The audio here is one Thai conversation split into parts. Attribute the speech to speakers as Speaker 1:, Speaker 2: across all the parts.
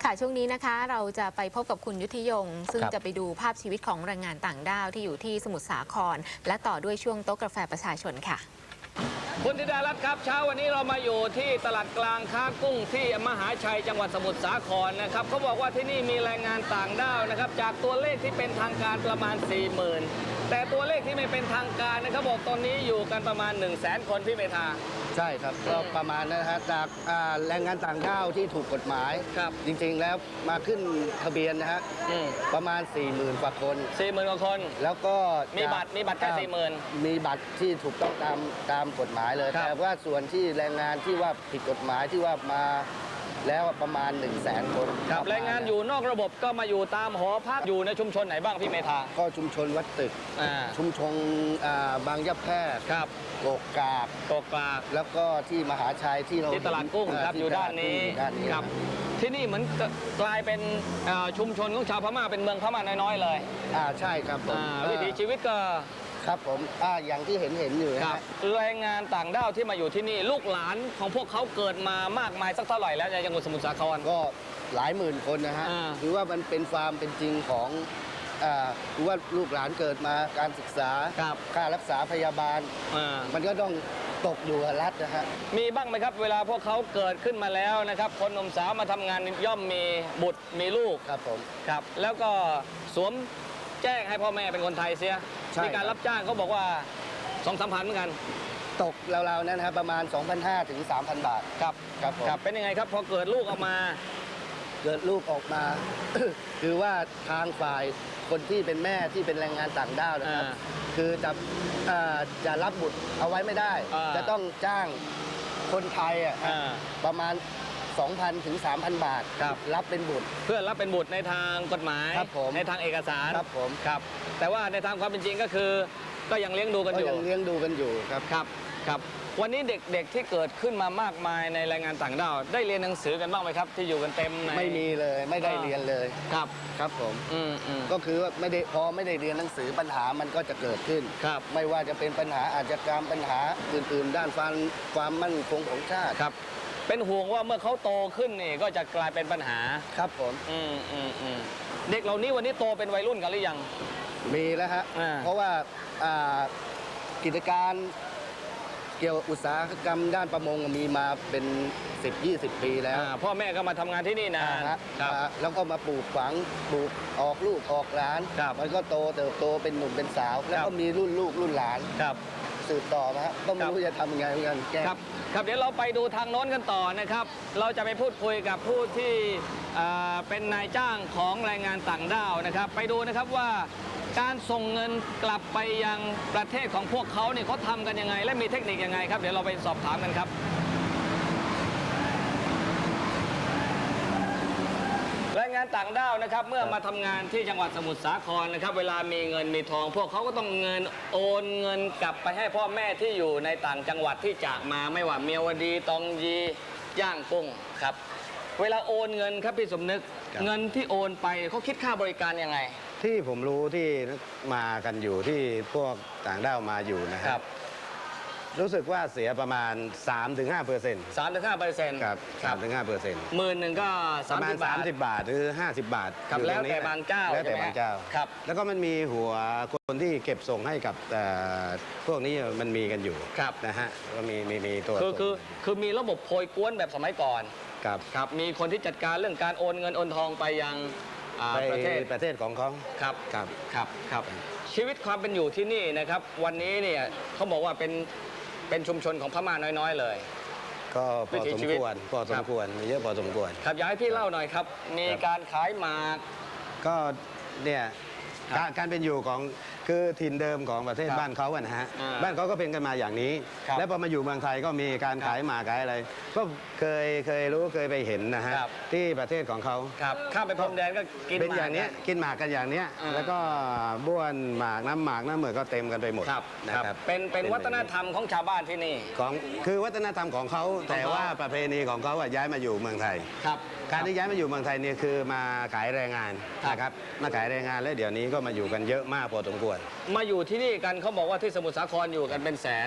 Speaker 1: ค่ะช่วงนี้นะคะเราจะไปพบกับคุณยุทธยงซึ่งจะไปดูภาพชีวิตของแรงงานต่างด้าวที่อยู่ที่สมุทรสาครและต่อด้วยช่วงโต๊ะกาแฟประชาชนค่ะ
Speaker 2: คุณธิดารัตน์ครับเช้าวันนี้เรามาอยู่ที่ตลาดกลางค้ากุ้งที่มหาชัยจังหวัดสมุทรสาครนะครับเขาบอกว่าที่นี่มีแรงงานต่างด้าวนะครับจากตัวเลขที่เป็นทางการประมาณ 40,000 แต่ตัวเลขที่ไม่เป็นทางการนะครับบอกตอนนี้อยู่กันประมาณ 100,000 คนพี่เมธา
Speaker 3: ใช่ครับก็ประมาณนั้นนะฮะจากแรงงานต่างด้าวที่ถูกกฎหมาย
Speaker 2: ครับ
Speaker 3: จริงๆแล้วมาขึ้นทะเบียนนะฮะประมาณ 40,000 กว่าคน
Speaker 2: 40,000 กว่าคน
Speaker 3: แล้วก็
Speaker 2: มีบัตรแค่ 40,000
Speaker 3: มีบัตรที่ถูกต้องตามกฎหมายเลยแต่ว่าส่วนที่แรงงานที่ว่าผิดกฎหมายที่ว่ามาแล้วประมาณ 100,000 คน
Speaker 2: ครับแรงงานอยู่นอกระบบก็มาอยู่ตามหอพักอยู่ในชุมชนไหนบ้างพี่เมธา
Speaker 3: ก็ชุมชนวัดตึกชุมชนบางยะแพรก
Speaker 2: ครับ
Speaker 3: โกกากแล้วก็ที่มหาชัยที่เรา
Speaker 2: ที่ตลาดกุ้งครับอยู่ด้านนี้ครับที่นี่เหมือนกลายเป็นชุมชนของชาวพม่าเป็นเมืองพม่าน้อยๆเลย
Speaker 3: ใช่ครับผม
Speaker 2: วิถีชีวิตก็
Speaker 3: ครับผมอย่างที่เห็นอยู่
Speaker 2: ครับแรงงานต่างด้าวที่มาอยู่ที่นี่ลูกหลานของพวกเขาเกิดมามากมายสักเท่าไหร่แล้วในจังหวัดสมุทรสาคร
Speaker 3: ก็หลายหมื่นคนนะฮะถือว่ามันเป็นความเป็นจริงของถือว่าลูกหลานเกิดมาการศึกษาค่ารักษาพยาบาลมันก็ต้องตกอยู่กับรัฐนะฮะ
Speaker 2: มีบ้างไหมครับเวลาพวกเขาเกิดขึ้นมาแล้วนะครับคนหนุ่มสาวมาทำงานย่อมมีบุตรมีลูก
Speaker 3: ครับผม
Speaker 2: ครับแล้วก็สวมแจ้งให้พ่อแม่เป็นคนไทยเสียมีการรับจ้างเขาบอกว่า 2-3 พันเหมือนกัน
Speaker 3: ตกราวๆนั้นครับประมาณ 2,500 ถึง 3,000 บาท
Speaker 2: ครับครับเป็นยังไงครับพอเกิดลูกออกมา
Speaker 3: คือว่าทางฝ่ายคนที่เป็นแม่ที่เป็นแรงงานต่างด้าวนะครับคือจะรับบุตรเอาไว้ไม่ได้จะต้องจ้างคนไทยประมาณ 2,000 ถึง 3,000 บาทรับเป็นบุตร
Speaker 2: เพื่อรับเป็นบุตรในทางกฎหมายในทางเอกสาร
Speaker 3: ครับผม
Speaker 2: ครับแต่ว่าในทางความเป็นจริงก็คือก็ยังเลี้ยงดูกัน
Speaker 3: อยู่
Speaker 2: ครับวันนี้เด็กๆที่เกิดขึ้นมามากมายในแรงงานต่างด้าวได้เรียนหนังสือกันบ้างไหมครับที่อยู่กันเต็ม
Speaker 3: ไม่มีเลยไม่ได้เรียนเลยครับผมก็คือว่าไม่ได้เรียนหนังสือปัญหามันก็จะเกิดขึ้นไม่ว่าจะเป็นปัญหาอาชญากรรมปัญหาอื่นๆด้านความมั่นคงของชาติ
Speaker 2: ครับเป็นห่วงว่าเมื่อเขาโตขึ้นนี่ก็จะกลายเป็นปัญหา
Speaker 3: ครับผม
Speaker 2: เด็กเหล่านี้วันนี้โตเป็นวัยรุ่นกันหรือยัง
Speaker 3: มีแล้วฮะเพราะว่ากิจการเกี่ยวอุตสาหกรรมด้านประมงมีมาเป็น 10-20 ปีแล้ว
Speaker 2: พ่อแม่ก็มาทำงานที่นี่นะ
Speaker 3: แล้วก็มาปลูกฝังปลูกออกลูกออกหลานมันก็เติบโตเป็นหนุ่มเป็นสาวแล้วก็มีรุ่นลูกรุ่นหลานสืบต่อมาก็ไม่รู้จะทำยังไงเหมือนกัน
Speaker 2: ครับเดี๋ยวเราไปดูทางโน้นกันต่อนะครับเราจะไปพูดคุยกับผู้ที่เป็นนายจ้างของแรงงานต่างด้าวนะครับไปดูนะครับว่าการส่งเงินกลับไปยังประเทศของพวกเขาเนี่ยเขาทำกันยังไงและมีเทคนิคยังไงครับเดี๋ยวเราไปสอบถามกันครับแรงงานต่างด้าวนะครับเมื่อมาทำงานที่จังหวัดสมุทรสาครนะครับเวลามีเงินมีทองพวกเขาก็ต้องโอนเงินกลับไปให้พ่อแม่ที่อยู่ในต่างจังหวัดที่จากมาไม่ว่าเมียวดีตองยีย่างกุ้งครับเวลาโอนเงินครับพี่สมนึกเงินที่โอนไปเขาคิดค่าบริการยังไง
Speaker 4: ที่ผมรู้ที่มากันอยู่ที่พวกต่างด้าวมาอยู่นะครับรู้สึกว่าเสียประมาณ 3-5%
Speaker 2: 3-5%
Speaker 4: ครับ 3-5%
Speaker 2: หมื่นหนึ่งก็
Speaker 4: ประมาณ30 บาทหรือ50 บาท
Speaker 2: ครับแล้วแต่บางเจ้า
Speaker 4: แล้วแต่บางเจ้า
Speaker 2: ครับ
Speaker 4: แล้วก็มันมีหัวคนที่เก็บส่งให้กับพวกนี้มันมีกันอยู่นะฮะก็มีตัว
Speaker 2: คือมีระบบโพยกวนแบบสมัยก่อนครับมีคนที่จัดการเรื่องการโอนเงินโอนทองไปยัง
Speaker 4: ประเทศของเขา
Speaker 2: ครับชีวิตความเป็นอยู่ที่นี่นะครับวันนี้เนี่ยเขาบอกว่าเป็นชุมชนของพม่าน้อยๆเลย
Speaker 4: ก็พอสมควรมีเยอะพอสมควร
Speaker 2: ครับอยากให้พี่เล่าหน่อยครับมีการขายหมาก
Speaker 4: ก็เนี่ยการเป็นอยู่ของคือถิ่นเดิมของประเทศบ้านเขาอะนะฮะบ้านเขาก็เป็นกันมาอย่างนี้แล้วพอมาอยู่เมืองไทยก็มีการขายหมากขายอะไรก็เคยรู้เคยไปเห็นนะฮะที่ประเทศของเขา
Speaker 2: ข้ามไปพรมแดนก็กิน
Speaker 4: เป็นอย่างนี้กินหมากกันอย่างนี้แล้วก็บ้วนหมากน้ำเหมือนก็เต็มกันไปหมด
Speaker 2: นะครับเป็นวัฒนธรรมของชาวบ้านที่นี่
Speaker 4: คือวัฒนธรรมของเขาแต่ว่าประเพณีของเขาย้ายมาอยู่เมืองไทยการที่ย้ายมาอยู่เมืองไทยเนี่ยคือมาขายแรงงานนะครับมาขายแรงงานแล้วเดี๋ยวนี้ก็มาอยู่กันเยอะมากพอสมควร
Speaker 2: มาอยู่ที่นี่กันเขาบอกว่าที่สมุทรสาครอยู่กันเป็นแสน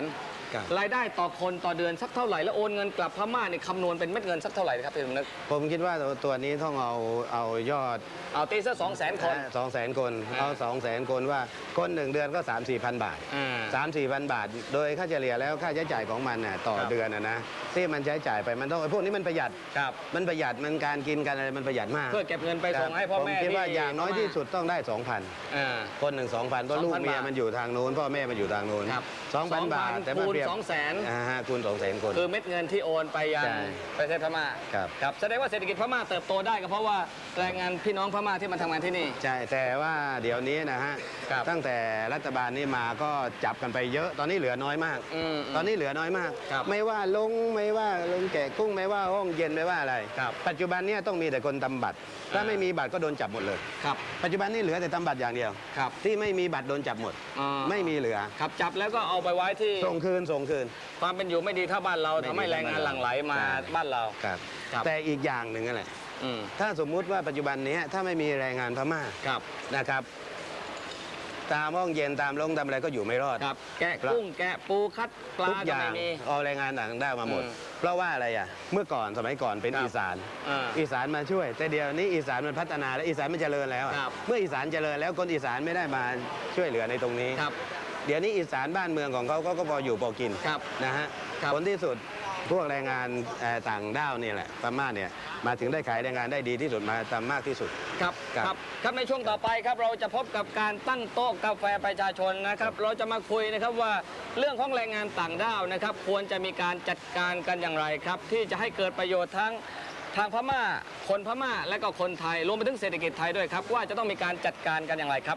Speaker 4: ครับ
Speaker 2: รายได้ต่อคนต่อเดือนสักเท่าไหร่แล้วโอนเงินกลับพม่าเนี่ยคำนวณเป็นเม็ดเงินสักเท่าไหร่ครับพี่สมนึก
Speaker 4: ผมคิดว่าตัวนี้ต้องเอายอด
Speaker 2: เอาตีซะ200,000 คน
Speaker 4: 200,000 คนเอา 200,000 คนว่าคน1 เดือนก็ 3-4,000 บาท 3-4,000 บาท โดยค่าเฉลี่ยแล้วค่าใช้จ่ายของมันน่ะต่อ
Speaker 2: ครับ
Speaker 4: เดือนนะที่มันใช้จ่ายไปมันต้องพวกนี้มันประหยัด
Speaker 2: ครับ
Speaker 4: มันประหยัดมันการกินกันอะไรมันประหยัดมาก
Speaker 2: เพื่อเก็บเงินไปส่งให้พ่อแม่
Speaker 4: ผมคิดว่า
Speaker 2: ที่
Speaker 4: อย่างน้อยที่สุดต้องได้ 2,000
Speaker 2: อ่า
Speaker 4: คนหนึ่ง 2,000 เพราะลูก
Speaker 2: 2,000
Speaker 4: เมีย
Speaker 2: บาท
Speaker 4: มันอยู่ทางโน้นพ่อแม่มันอยู่ทางโน้น
Speaker 2: ครับ
Speaker 4: 2,000 บาท แต่
Speaker 2: คูณ
Speaker 4: เปรียบ
Speaker 2: 200,000
Speaker 4: คูณ 200,000 คน
Speaker 2: คือเม็ดเงินที่โอนไปยัง
Speaker 4: ใช่
Speaker 2: ประเทศพม่า
Speaker 4: ครับ
Speaker 2: ครับแสดงว่าเศรษฐกิจพม่าเติบโตได้ก็เพราะว่าแรงงานพี่น้องพม่าที่มาทำงานที่นี่
Speaker 4: ใช่แต่ว่าเดี๋ยวนี้นะฮะ
Speaker 2: ครับ
Speaker 4: ตั้งแต่รัฐบาลนี้มาก็จับกันไปเยอะตอนนี้เหลือน้อยมาก ตอนนี้เหลือน้อยมาก
Speaker 2: ครับ
Speaker 4: ไม่ว่าลงแกะกุ้งไม่ว่าห้องเย็นไม่ว่าอะไร
Speaker 2: ครับ
Speaker 4: ปัจจุบันเนี้ต้องมีแต่คนทำบัตร ถ้าไม่มีบัตรก็โดนจับหมดเลย
Speaker 2: ครับ
Speaker 4: ปัจจุบันนี้เหลือแต่ทำบัตรอย่างเดียว
Speaker 2: ครับ
Speaker 4: ที่ไม่มีบัตรโดนจับหมด
Speaker 2: อ่า
Speaker 4: ไม่มีเหลือ
Speaker 2: ครับจับแล้วก็เอาไปไว้ที่
Speaker 4: ส่งคืน
Speaker 2: ความเป็นอยู่ไม่ดีถ้าบ้านเรา
Speaker 4: ไม่ดี
Speaker 2: ทำให้แรงงานหลั่งไหลมา
Speaker 4: ใช่
Speaker 2: บ้านเรา
Speaker 4: ครับ
Speaker 2: ครับ
Speaker 4: แต่อีกอย่างหนึ่งนั่นแหละ
Speaker 2: อืม
Speaker 4: ถ้าสมมุติว่าปัจจุบันนี้ถ้าไม่มีแรงงานพม่า
Speaker 2: ครับ
Speaker 4: นะครับ ตามห้องเย็นตามโรงตามอะไรก็อยู่ไม่รอด
Speaker 2: ครับแกะกุ้งแกะปูคัดปลา
Speaker 4: ทุกอ
Speaker 2: ก็
Speaker 4: ย่า
Speaker 2: ไม่
Speaker 4: ง
Speaker 2: มี
Speaker 4: เอาแรงงานต่างด้าวมาหมด
Speaker 2: อืม
Speaker 4: เพราะว่าอะไรอ่ะเมื่อก่อนสมัยก่อนเป็น
Speaker 2: ครับ
Speaker 4: อีสาน
Speaker 2: อ่า
Speaker 4: อีสานมาช่วย แต่เดี๋ยวนี้อีสานมันพัฒนาและอีสานมันเจริญแล้วอะ
Speaker 2: ครับ
Speaker 4: เมื่ออีสานเจริญแล้วคนอีสานไม่ได้มาช่วยเหลือในตรงนี้
Speaker 2: ครับ
Speaker 4: เดี๋ยวนี้อีสานบ้านเมืองของเขาก็พออยู่พอกิน
Speaker 2: ครับ
Speaker 4: นะฮะ
Speaker 2: ครับ
Speaker 4: ผลที่สุดพวกแรงงานต่างด้าวนี่แหละพม่าเนี่ยมาถึงได้ขายแรงงานได้ดีที่สุดมาตามมากที่สุด
Speaker 2: ครับ
Speaker 4: ครับ
Speaker 2: ครับในช่วงต่อไปครับเราจะพบกับการตั้งโต๊ะกาแฟประชาชนนะครับ เราจะมาคุยนะครับว่าเรื่องของแรงงานต่างด้าวนะครับ ควรจะมีการจัดการกันอย่างไรครับ ที่จะให้เกิดประโยชน์ทั้งทางพม่า คนพม่าและก็คนไทยรวมไปถึงเศรษฐกิจไทยด้วยครับว่าจะต้องมีการจัดการกันอย่างไรครับ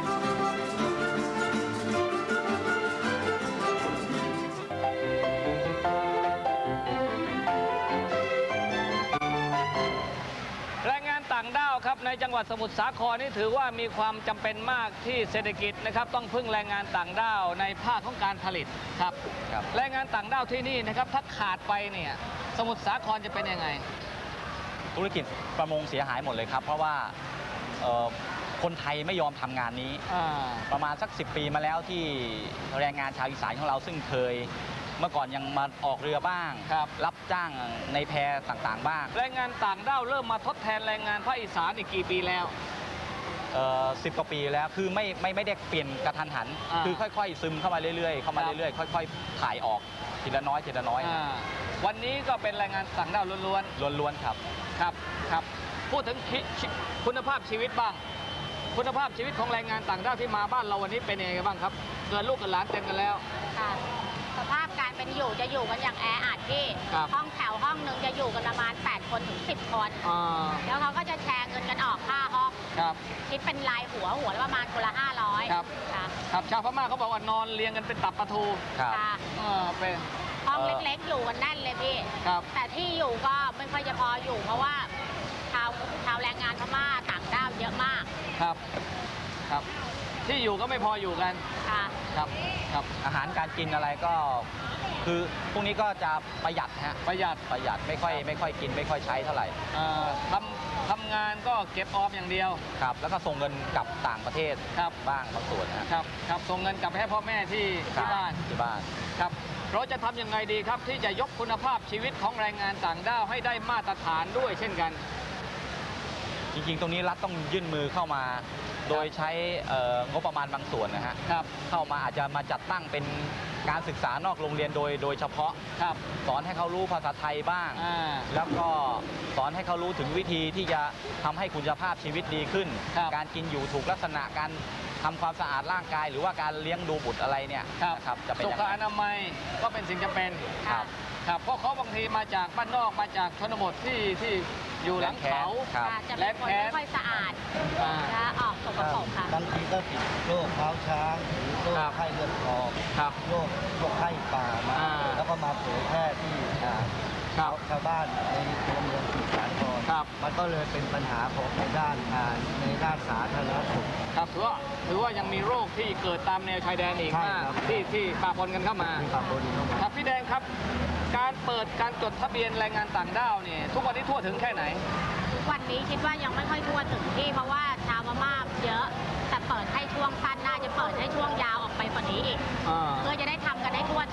Speaker 2: แรงงานต่างด้าวครับในจังหวัดสมุทรสาครนี่ถือว่ามีความจำเป็นมากที่เศรษฐกิจนะครับต้องพึ่งแรงงานต่างด้าวในภาคของการผลิตครับ
Speaker 5: ครับ
Speaker 2: แรงงานต่างด้าวที่นี่นะครับถ้าขาดไปเนี่ยสมุทรสาครจะเป็นยังไง
Speaker 5: ธุรกิจประมงเสียหายหมดเลยครับ เพราะว่าคนไทยไม่ยอมทำงานนี้ ประมาณสัก 10 ปีมาแล้วที่แรงงานชาวอีสานของเราซึ่งเคย เมื่อก่อนยังมาออกเรือบ้าง
Speaker 2: ครับ
Speaker 5: รับจ้างในแพต่างๆบ้าง
Speaker 2: แรงงานต่างด้าวเริ่มมาทดแทนแรงงานภาคอีสานอีกกี่ปีแล้ว
Speaker 5: 10 กว่าปีแล้วคือไม่ได้เปลี่ยนกระทันหัน คือค่อยๆ ซึมเข้ามาเรื่อยๆเข้ามา
Speaker 2: ครับ
Speaker 5: เรื่อยๆค่อยๆถ่ายออกทีละน้อยทีละน้อย
Speaker 2: วันนี้ก็เป็นแรงงานต่างด้าวล้วน
Speaker 5: ล้วนๆครับ
Speaker 2: ๆครับครับพูดถึงคุณภาพชีวิตบ้าง คุณภาพชีวิตของแรงงานต่างด้าวที่มาบ้านเราวันนี้เป็นยังไงบ้างครับเกิดลูกกับหลานเต็มกันแล้ว
Speaker 6: ค่ะสภาพการเป็นอยู่จะอยู่กันอย่างแออัดที่
Speaker 2: ครับ
Speaker 6: ห้องแถวห้องหนึ่งจะอยู่กันประมาณ 8 คนถึง 10 คน แล้วเขาก็จะแชร์เงินกันออกค่าห้อง
Speaker 2: ครับ
Speaker 6: คิดเป็นรายหัวละประมาณคนละ 500
Speaker 2: ครับ
Speaker 6: ค่ะ
Speaker 2: ครับชาวพม่าเขาบอกว่านอนเรียงกันเป็นตับปลาทู
Speaker 5: ครับ
Speaker 6: ค่ะ
Speaker 2: เป็น
Speaker 6: ห้องเล็กๆ อยู่กันแน่นเลยพี่
Speaker 2: ครับ
Speaker 6: แต่ที่อยู่ก็ไม่ค่อยจะพออยู่ เพราะว่าชาวแรงงานพม่าต่างด้าวเยอะมาก
Speaker 2: ครับครับ ที่อยู่ก็ไม่พออยู่กัน
Speaker 6: ค่ะ
Speaker 2: ครับครับ
Speaker 5: อาหารการกินอะไรก็คือพวกนี้ก็จะประหยัดฮะ
Speaker 2: ประหยัด
Speaker 5: ไม่ค่อยกินไม่ค่อยใช้เท่าไหร่
Speaker 2: ทำงานก็เก็บออมอย่างเดียว
Speaker 5: ครับแล้วก็ส่งเงินกลับต่างประเทศ
Speaker 2: ครับ
Speaker 5: บ้างบางส่วนนะฮะ
Speaker 2: ครับครับส่งเงินกลับไปให้พ่อแม่ที่
Speaker 5: ครับ
Speaker 2: บ้าน
Speaker 5: ที่บ้าน
Speaker 2: ครับเราจะทำยังไงดีครับที่จะยกคุณภาพชีวิตของแรงงานต่างด้าวให้ได้มาตรฐานด้วยเช่นกัน
Speaker 5: จริงๆ ตรงนี้รัฐต้องยื่นมือเข้ามา โดยใช้งบประมาณบางส่วนนะฮะ
Speaker 2: ครับ
Speaker 5: เข้ามาอาจจะมาจัดตั้งเป็นการศึกษานอกโรงเรียนโดยเฉพาะ
Speaker 2: ครับ
Speaker 5: สอนให้เขารู้ภาษาไทยบ้าง แล้วก็สอนให้เขารู้ถึงวิธีที่จะทำให้คุณภาพชีวิตดีขึ้น
Speaker 2: ครับ
Speaker 5: การกินอยู่ถูกลักษณะการทำความสะอาดร่างกาย หรือว่าการเลี้ยงดูบุตรอะไรเนี่ยนะครับจะเป็น
Speaker 2: สุ
Speaker 5: อย่าง
Speaker 2: ข
Speaker 5: ไร
Speaker 2: อนามัยก็เป็นสิ่งจำเป็น
Speaker 5: ครับ
Speaker 2: ครับเพราะเขาบางทีมาจากบ้านนอกมาจากชนบทที่อยู่หลังเขา
Speaker 5: ครับ
Speaker 6: ค่ะจะเป็นคนไม่ค่อยสะอาด
Speaker 2: อ่า
Speaker 6: จะออกสกปรกค่ะ
Speaker 3: บางทีก็ติดโรคเท้าช้างหรือโรค
Speaker 2: ครับ
Speaker 3: ไข้เลือดออก
Speaker 2: ครับ
Speaker 3: โรคพวกไข้ป่ามา
Speaker 2: อ่า
Speaker 3: แล้วก็มาเผยแพร่ที่
Speaker 2: ครับ
Speaker 3: ชาวบ้านในตัวเมืองสมุทรสาคร
Speaker 2: ครับ
Speaker 3: มันก็เลยเป็นปัญหาของในด้านสาธารณสุข
Speaker 2: ครับถือว่ายังมีโรคที่เกิดตามแนวชายแดนอีก
Speaker 3: ใช่
Speaker 2: มาก
Speaker 3: ครับ
Speaker 2: ที่ปะปนกันเข้ามา
Speaker 3: มีปะปนเข้ามา
Speaker 2: ครับพี่แดงครับ การเปิดการจดทะเบียนแรงงานต่างด้าวเนี่ยทุกวันนี้ทั่วถึงแค่ไหน
Speaker 6: วันนี้คิดว่ายังไม่ค่อยทั่วถึงที่เพราะว่าชาวพม่าเยอะ แต่เปิดให้ช่วงสั้นน่าจะเปิดให้ช่วงยาวออกไปกว่านี้อีก เพื่อจะได้ทำกันได้ทั่วถึง
Speaker 2: ค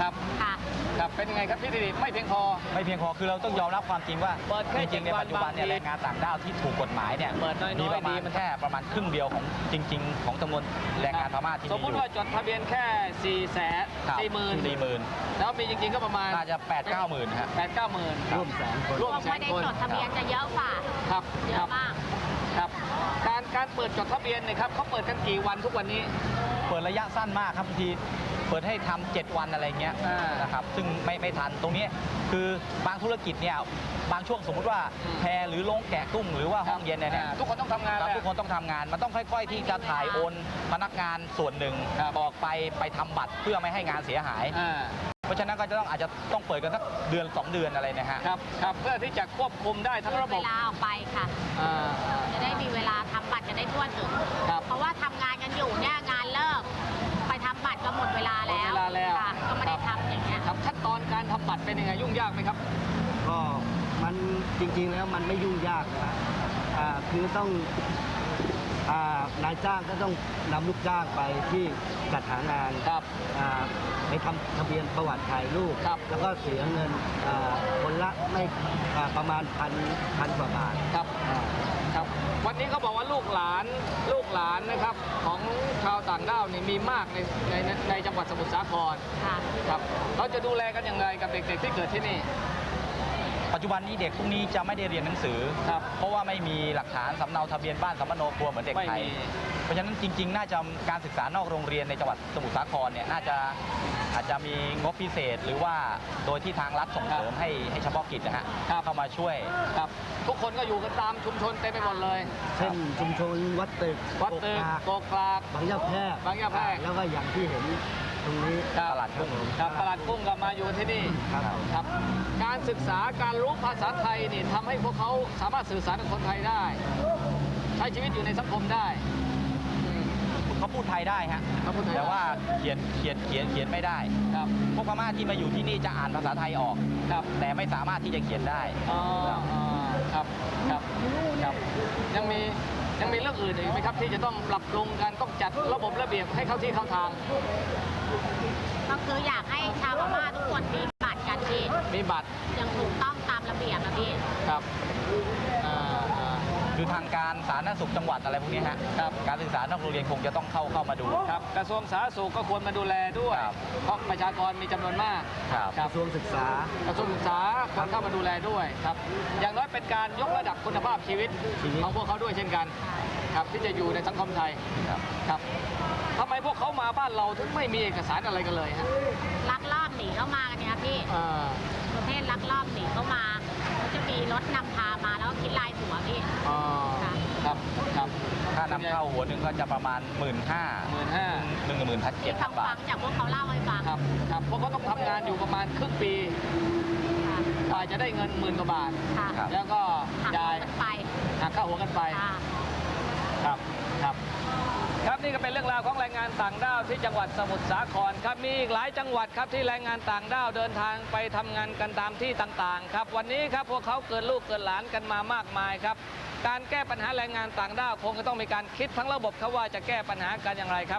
Speaker 2: ครับ
Speaker 6: ค่ะ
Speaker 2: ครับเป็นยังไงครับพี่ดิไม่เพียงพอ
Speaker 5: ไม่เพียงพอคือเราต้องยอมรับความจริงว่า
Speaker 2: เปิดแค่
Speaker 5: จริงๆใน
Speaker 2: 7
Speaker 5: ปัจจุบันเนี่ย
Speaker 2: วันบางที
Speaker 5: แรงงานต่างด้าวที่ถูกกฎหมายเนี่ย
Speaker 2: เปิดน้อยๆ
Speaker 5: มีประมาณ
Speaker 2: ดีมัน
Speaker 5: แค่ประมาณครึ่งเดียวของจริง ๆ ของจำนวนแรงงานพม่าที่
Speaker 2: ส
Speaker 5: มี
Speaker 2: ม
Speaker 5: อ
Speaker 2: มติ
Speaker 5: ยู่
Speaker 2: ว่าจดทะเบียนแค่
Speaker 5: ครับ40,000
Speaker 2: แล้วมีจริงๆก็ประมาณ
Speaker 5: น่าจะ8-9 หมื่นฮะ
Speaker 2: 8-9 หมื่น
Speaker 3: ร่วมแสนคน
Speaker 2: ร่วม
Speaker 6: พวก
Speaker 2: แส
Speaker 6: ไม่
Speaker 2: น
Speaker 6: ได้
Speaker 2: คน
Speaker 6: จดทะเบียนจะเยอะกว่า
Speaker 2: ครับ
Speaker 6: เย
Speaker 2: ครั
Speaker 6: อะ
Speaker 2: บ
Speaker 6: มาก
Speaker 2: ครับการเปิดจดทะเบียนเนี่ยครับเขาเปิดกันกี่วันทุกวันนี้
Speaker 5: เปิดระยะสั้นมากครับบางทีเปิดให้ทำ7 วันอะไรเงี้ย
Speaker 2: อ่าน
Speaker 5: นะครับซึ่งไม่ทันตรงนี้คือบางธุรกิจเนี่ยบางช่วงสมมุติว่า
Speaker 2: อืม
Speaker 5: แพหรือโรงแกะกุ้งหรือว่าห้องเย็นเนี่ย
Speaker 2: ทุกคนต้องทำงาน
Speaker 5: ครับ
Speaker 2: แล้ว
Speaker 5: ทุกคนต้องทำงานมันต้องค่อยๆที่จะถ่ายโอนพนักงานส่วนหนึ่ง
Speaker 2: ครับ
Speaker 5: ออกไปทำบัตรเพื่อไม่ให้งานเสียหาย เพราะฉะนั้นก็จะอาจจะต้องเปิดกันสักเดือน 2 เดือนอะไรนะฮะ
Speaker 2: ครับครับเพื่อที่จะควบคุมได้ทั้งระบ
Speaker 6: เว
Speaker 2: บ
Speaker 6: ลาออกไปค่ะ
Speaker 2: อ่า
Speaker 6: จะได้มีเวลาทำบัตรจะได้ทั่วถึง
Speaker 2: ครับ
Speaker 6: เพราะว่าทำงานกันอยู่เนี่ยงานเลิก ไปทำบัตรก็หมดเวลาแล้ว
Speaker 2: หมดเวลาแล้ว
Speaker 6: ค่ะก็ไม่ได้ทำอย่างเงี้ย
Speaker 2: ครับขั้นตอนการทำบัตรเป็นยังไงยุ่งยากไหมครับ
Speaker 3: ก็มันจริงๆแล้วมันไม่ยุ่งยากนะคือต้องนายจ้างก็ต้องนำลูกจ้างไปที่จัดหางาน
Speaker 2: ครับ
Speaker 3: ไปทำทะเบียนประวัติถ่ายรูป
Speaker 2: ครับ
Speaker 3: แล้วก็เสียเงินคนละไม่ประมาณพันกว่าบาท
Speaker 2: ครับ ครับ วันนี้เขาบอกว่าลูกหลานนะครับของชาวต่างด้าวนี่มีมากในจังหวัดสมุทรสาคร
Speaker 6: ค่ะ
Speaker 2: ครับเขาจะดูแลกันอย่างไรกับเด็กๆที่เกิดที่นี่
Speaker 5: ปัจจุบันนี้เด็กพวกนี้จะไม่ได้เรียนหนังสือ
Speaker 2: ครับ
Speaker 5: เพราะว่าไม่มีหลักฐานสำเนาทะเบียนบ้านสำเนาครัวเหมือนเด็กไทย
Speaker 2: ไม่มี
Speaker 5: เพราะฉะนั้นจริงๆ น่าจะการศึกษานอกโรงเรียนในจังหวัดสมุทรสาครเนี่ยน่าจะอาจจะมีงบพิเศษ หรือว่าโดยที่ทางรัฐส่งเสริมให้เฉพาะกิจนะฮะเข้ามาช่วย
Speaker 2: ครับ ทุกคนก็อยู่กันตามชุมชนเต็มไปหมดเลย
Speaker 3: เช่นชุมชนวัดตึก
Speaker 2: วัดตึกโกกลาก
Speaker 3: บางยะแพรก
Speaker 2: บางยะแพรก
Speaker 3: แล้วก็อย่างที่เห็นตรงนี้
Speaker 5: ตลาดกุ้ง
Speaker 2: ครับตลาดกุ้งก็มาอยู่ที่นี่
Speaker 3: ครับ
Speaker 2: ครับ การศึกษาการรู้ภาษาไทยนี่ทำให้พวกเขาสามารถสื่อสารกับคนไทยได้ ใช้ชีวิตอยู่ในสังคมได้อืม
Speaker 5: เขาพูดไทยได้ฮะ
Speaker 2: เขาพูดไทยได้
Speaker 5: แต่ว่าเขียนไม่ได้
Speaker 2: ครับ
Speaker 5: พวกพม่าที่มาอยู่ที่นี่จะอ่านภาษาไทยออก
Speaker 2: ครับ
Speaker 5: แต่ไม่สามารถที่จะเขียนได้
Speaker 2: อ๋อครับครับครับยังมีเรื่องอื่นอีกไหมครับ ที่จะต้องปรับปรุงกันต้องจัดระบบระเบียบให้เข้าที่เข้าทาง
Speaker 6: ก็คืออยากให้ชาวพม่าทุกคนมีบัตรกันพี่
Speaker 2: มีบัตร
Speaker 6: ยังถูกต้องตามระเบียบนะพี่
Speaker 2: ครับอ่า
Speaker 5: คือทางการสาธารณสุขจังหวัดอะไรพวกนี้ฮะ
Speaker 2: ครับ
Speaker 5: การศึกษานอกโรงเรียนคงจะต้องเข้ามาดู
Speaker 2: ครับกระทรวงสาธารณสุขก็ควรมาดูแลด้วย
Speaker 5: ครับ
Speaker 2: เพราะประชากรมีจำนวนมาก
Speaker 5: ครับ
Speaker 3: กระทรวงศึกษา
Speaker 2: กระทรวงศึกษาควรเข้ามาดูแลด้วยครับ อย่างน้อยเป็นการยกระดับคุณภาพชีวิตของพวกเขาด้วยเช่นกัน ครับที่จะอยู่ในสังคมไทย
Speaker 5: ครับ
Speaker 2: ครับทำไมพวกเขามาบ้านเราถึงไม่มีเอกสารอะไรกันเลยฮะ
Speaker 6: ลักลอบหนีเข้ามากันเนี่ยพี่ ประเภทลักลอบหนีเข้ามาเขาจะมีรถนำพามาแล้วก็คิดรายหัวพี่
Speaker 2: อ๋อ
Speaker 6: ค่ะ
Speaker 2: ครับครับ
Speaker 5: ค่านำเข้าหัวหนึ่งก็จะประมาณ 15,000
Speaker 6: ที่
Speaker 5: 17,000
Speaker 6: เขา
Speaker 5: บา
Speaker 6: ฟั
Speaker 5: ท
Speaker 6: งจากพวกเขาเล่าให้ฟัง
Speaker 2: ครับครับพวกเขาต้องทำงานอยู่ประมาณครึ่งปี
Speaker 6: ค่ะ
Speaker 2: กว่าจะได้เงิน10,000 กว่าบาท
Speaker 6: ค่ะ
Speaker 5: ครับ
Speaker 2: แล้วก็
Speaker 6: หัก
Speaker 2: จ่าย
Speaker 6: กันไป
Speaker 2: หักค่าหัวกันไป
Speaker 6: ค่ะ
Speaker 2: ครับครับครับนี่ก็เป็นเรื่องราวของแรงงานต่างด้าวที่จังหวัดสมุทรสาครครับมีอีกหลายจังหวัดครับที่แรงงานต่างด้าวเดินทางไปทำงานกันตามที่ต่างๆครับวันนี้ครับพวกเขาเกิดลูกเกิดหลานกันมามากมายครับการแก้ปัญหาแรงงานต่างด้าวคงจะต้องมีการคิดทั้งระบบครับว่าจะแก้ปัญหากันอย่างไรครับ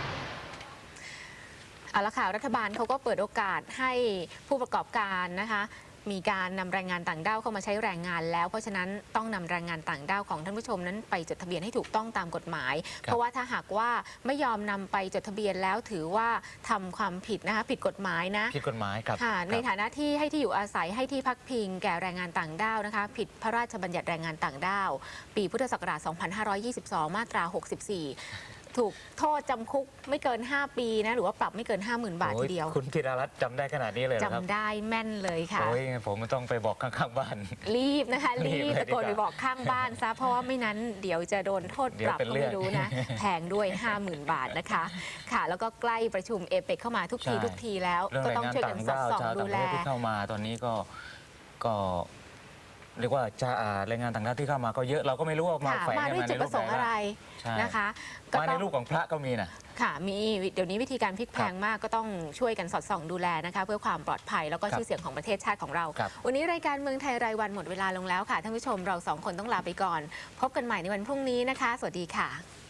Speaker 1: เอาละค่ะรัฐบาลเขาก็เปิดโอกาสให้ผู้ประกอบการนะคะมีการนำแรงงานต่างด้าวเข้ามาใช้แรงงานแล้วเพราะฉะนั้นต้องนำแรงงานต่างด้าวของท่านผู้ชมนั้นไปจดทะเบียนให้ถูกต้องตามกฎหมาย เพราะว่าถ้าหากว่าไม่ยอมนำไปจดทะเบียนแล้วถือว่าทำความผิดนะคะผิดกฎหมายนะ
Speaker 5: ผิดกฎหมายครับ
Speaker 1: ค่ะในฐานะที่ให้ที่อยู่อาศัยให้ที่พักพิงแก่แรงงานต่างด้าวนะคะผิดพระราชบัญญัติแรงงานต่างด้าวปีพุทธศักราช 2522 มาตรา 64 ถูกโทษจำคุกไม่เกิน 5 ปีนะหรือว่าปรับไม่เกิน 50,000 บาททีเดียว
Speaker 7: คุณธีรรัตน์จำได้ขนาดนี้เลยเหรอครับ
Speaker 1: จำได้แม่นเลยค่ะ
Speaker 7: โอ้ยผมต้องไปบอกข้างๆบ้าน
Speaker 1: รีบนะคะ
Speaker 7: รี
Speaker 1: รี
Speaker 7: บบ เลย
Speaker 1: ตะโกน
Speaker 7: ดี
Speaker 1: ไป
Speaker 7: กว่า
Speaker 1: บอกข้างบ้านซะเพราะว่าไม่นั้นเดี๋ยวจะโดนโทษปรับ
Speaker 7: เดี๋ยวเป็น
Speaker 1: ก็
Speaker 7: เรื่
Speaker 1: ไม่
Speaker 7: อง
Speaker 1: รู้นะ แพงด้วย 50,000 บาทนะคะ ค่ะแล้วก็ใกล้ประชุมเอเปกเข้ามาทุกทีแล้ว
Speaker 7: เรื่อง
Speaker 1: ก็
Speaker 7: แรง
Speaker 1: ต้อง
Speaker 7: งาน
Speaker 1: ช่วย
Speaker 7: ต่า
Speaker 1: กัน
Speaker 7: ง
Speaker 1: สอด
Speaker 7: ด้าว
Speaker 1: ส่อง
Speaker 7: ชาว
Speaker 1: ดู
Speaker 7: ต่างประ
Speaker 1: แล
Speaker 7: เทศที่เข้ามาตอนนี้ก็เรียกว่าแรงงานต่างด้าวที่เข้ามาก็เยอะเราก็ไม่รู้ว่ามา
Speaker 1: ค่ะ
Speaker 7: แฝง
Speaker 1: มา
Speaker 7: กัน
Speaker 1: ด้วย
Speaker 7: มา
Speaker 1: จุ
Speaker 7: ใน
Speaker 1: ดป
Speaker 7: รู
Speaker 1: ระ
Speaker 7: ป
Speaker 1: ส
Speaker 7: ไห
Speaker 1: ง
Speaker 7: น
Speaker 1: ค์อะไร
Speaker 7: ใช่
Speaker 1: นะคะ
Speaker 7: มาในรูปของพระก็มีนะ
Speaker 1: ค่ะมีเดี๋ยวนี้วิธีการพลิกแพลงมากก็ต้องช่วยกันสอดส่องดูแลนะคะเพื่อความปลอดภัยแล้วก็
Speaker 7: ครับ
Speaker 1: ชื่อเสียงของประเทศชาติของเรา
Speaker 7: ครับ
Speaker 1: วันนี้รายการเมืองไทยรายวันหมดเวลาลงแล้วค่ะท่านผู้ชมเราสองคนต้องลาไปก่อน พบกันใหม่ในวันพรุ่งนี้นะคะ สวัสดีค่ะ